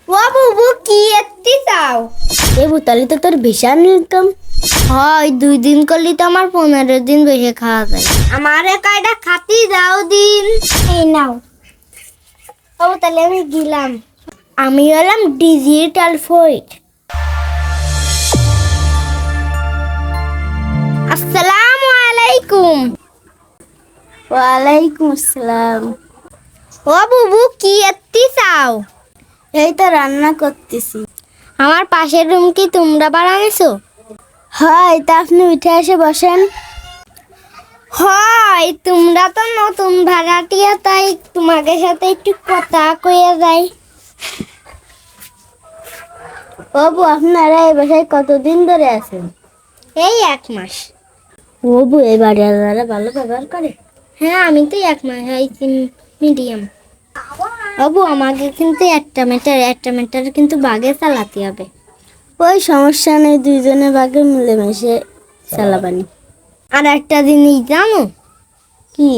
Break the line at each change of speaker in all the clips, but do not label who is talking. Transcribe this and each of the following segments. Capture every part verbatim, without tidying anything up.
ও বুবু কি এত্তি চাও?
এ বুতালি তো তোর বিশাল ইনকাম
হয়, দুই দিন করলি তো আমার পনেরো দিন বসে খাওয়া যায়। আমারে কয়টা খাতি দাও দিন। এই নাও। ও তাহলে আমি গেলাম। আমি হলাম ডিজিটাল ফয়েট। আসসালামু আলাইকুম।
ওয়ালাইকুম আসসালাম।
ও বুবু কি এত্তি চাও?
এই তো রান্না করতেছি।
আমার পাশের রুম কি তোমরা বানাইছো?
হয়, তা আপনি উঠে এসে বসেন।
হয়, তোমরা তো নতুন ভাড়াটিয়া, তাই তোমাদের সাথে একটু কথা কয়ে যাই।
বাবু, আপনারা এই বাসায় কতদিন ধরে আছেন?
এই এক মাস।
বাবু, এই বাড়িওয়ালারা ভালো ব্যবহার করে?
হ্যাঁ, আমি তো এক মাস হয়েছি মিডিয়াম। বাবু, আমাকে কিন্তু একটা মিটার একটা মিটার কিন্তু বাগে চালাতে হবে।
ওই সমস্যা নেই, দুইজনে বাগে মিলেমিশে চালাবানি।
আর একটা জিনিস জানো
কি?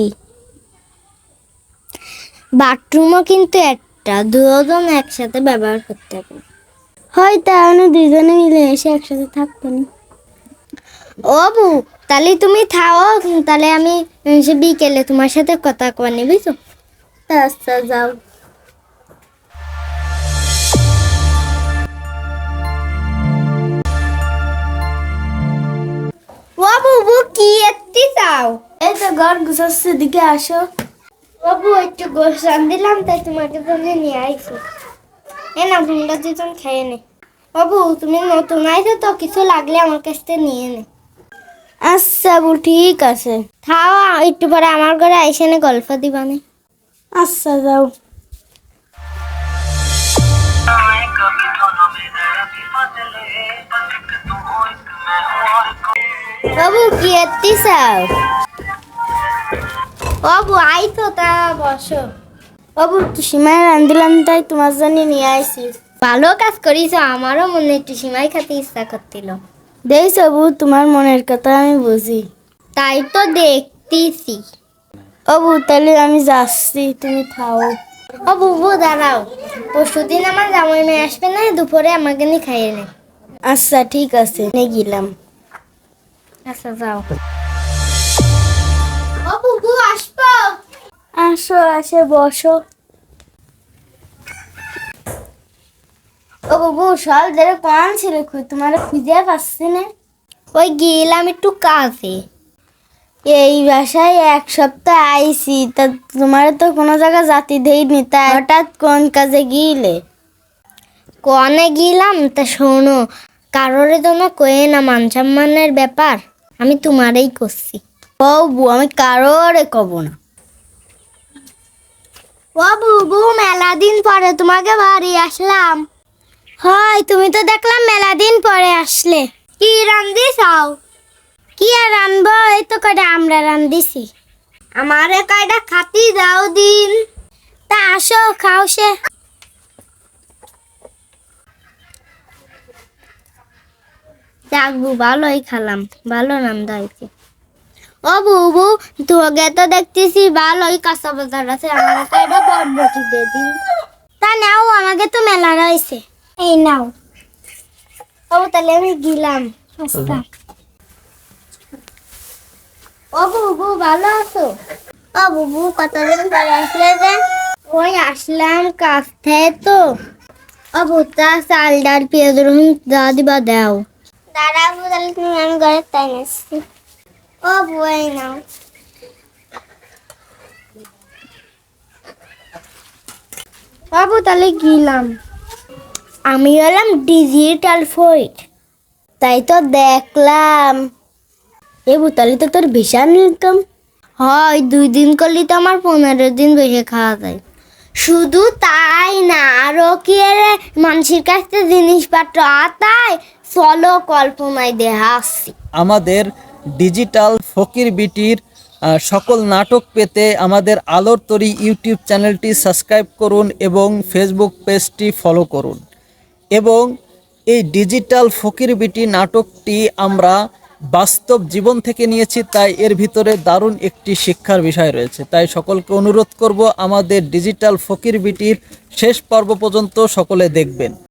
বাথরুমও কিন্তু একটা, দুজন একসাথে ব্যবহার করতে হবে।
হয়, তাহলে দুইজনে মিলেমিশে একসাথে থাকবানি।
ও বু, তাহলে তুমি থাও, তাহলে আমি সে বিকেলে তোমার সাথে কথা কয়ে বুঝছো?
আচ্ছা, যাও।
ও বুবু কি এত্তি চাও?
এই তো ঘর গুছাচ্ছে, দিকে আসো।
বাবু একটু গোশ রান দিলাম, তাই তোমাকে জন্য নিয়ে আইছি। এ না, তোমরা দুজন খেয়ে নে। বাবু, তুমি নতুন আইছো তো, কিছু লাগলে আমার কাছ থেকে নিয়ে নে।
আচ্ছা বু, ঠিক আছে।
খাও, একটু পরে আমার ঘরে আইসে নে, গল্প দিবানে।
আচ্ছা, যাও।
বাবু কি এত্তি চাও? বাবু আইতো, তা বসো।
বাবু, সীমায় রান্ধিলাম, তাই তোমার জন্য নিয়ে আসি।
ভালো কাজ করিস, আমারও মনে একটু সিমাই খেতে ইচ্ছা করছিল।
দেখ বু, তোমার মনের কথা আমি বুঝি।
তাই তো দেখতেছি।
ও বু, তাহলে আমি যাচ্ছি, তুমি খাও।
ও বুবু দাঁড়াও, পরশু দিন আমার জামাই মেয়ে আসবে না, দুপুরে আমাকে নিয়ে খাইয়ে নে।
আচ্ছা, ঠিক আছে, নিয়ে গেলাম।
আচ্ছা, যাও। ও বুবু আসবো?
আসো, আসে বসো। ও বাবু, সব ধরে কোন ছিল, তোমার খুঁজে পাচ্ছি না।
ওই গেলাম একটু কাজে।
এই বাসায় এক সপ্তাহ আইছি, তা তোমার তো কোনো জায়গা জাতি দেয়নি, তা হঠাৎ কোন কাজে গিলে?
কনে গেলাম তা শোনো, কারোর জন্য কয়ে না, মান সম্মানের ব্যাপার, আমি তোমারই করছি।
ও বু, আমি কারোরে কব না।
ও বুবু, মেলা দিন পরে তোমাকে বাড়ি আসলাম।
হয়, তুমি তো দেখলাম মেলা দিন পরে আসলে।
কি রান্ধি চাও?
কি আর রানবো, এই তো কটা আমরা রান্ধিছি।
আমারে কয়টা খাতি দাও দিন।
তা আসো, খাও সে।
যাকবু, ভালোই খালাম, ভালো রান্না হয়েছে। ও বুবু, তোকে তো দেখতেছি ভালোই কাঁচা বাজার আছে, আমার কয়টা বরবটি দিয়ে দিন।
তা নাও, আমাকে তো মেলা রয়েছে।
এই নাও। ও তাহলে আমি গেলাম। আচ্ছা। ও বুবু, ভালো আছো?
ও বুবু, কতদিন পরে আসলে যে?
ওই আসলাম কাছ থেকে তো। ও ভুট্টা, চাল, ডাল, পেঁয়াজ, রসুন যা দিবা দাও।
দাঁড়া বু, তাহলে তুমি আমি ঘরে তাই আসছি।
ও বই নাও। বাবু তাহলে গেলাম। আমি হলাম ডিজিটাল ফয়েট।
তাই তো দেখলাম। এ বুতালি তো তোর বিশাল ইনকাম
হয়, দুই দিন করলি তো আমার পনেরো দিন বসে খাওয়া যায়। শুধু তাই না, আরো কি রে, মানুষের কাছ থেকে জিনিসপত্র আতায়, চলো কল্পনায় দেহা আসছি।
আমাদের ডিজিটাল ফকির বিটির আহ, সকল নাটক পেতে আমাদের আলোর তরী ইউটিউব চ্যানেলটি সাবস্ক্রাইব করুন এবং ফেসবুক পেজটি ফলো করুন। এবং এই ডিজিটাল ফকির বিটি নাটকটি আমরা বাস্তব জীবন থেকে নিয়েছি, তাই এর ভিতরে দারুণ একটি শিক্ষার বিষয় রয়েছে। তাই সকলকে অনুরোধ করব আমাদের ডিজিটাল ফকির বিটির শেষ পর্ব পর্যন্ত সকলে দেখবেন।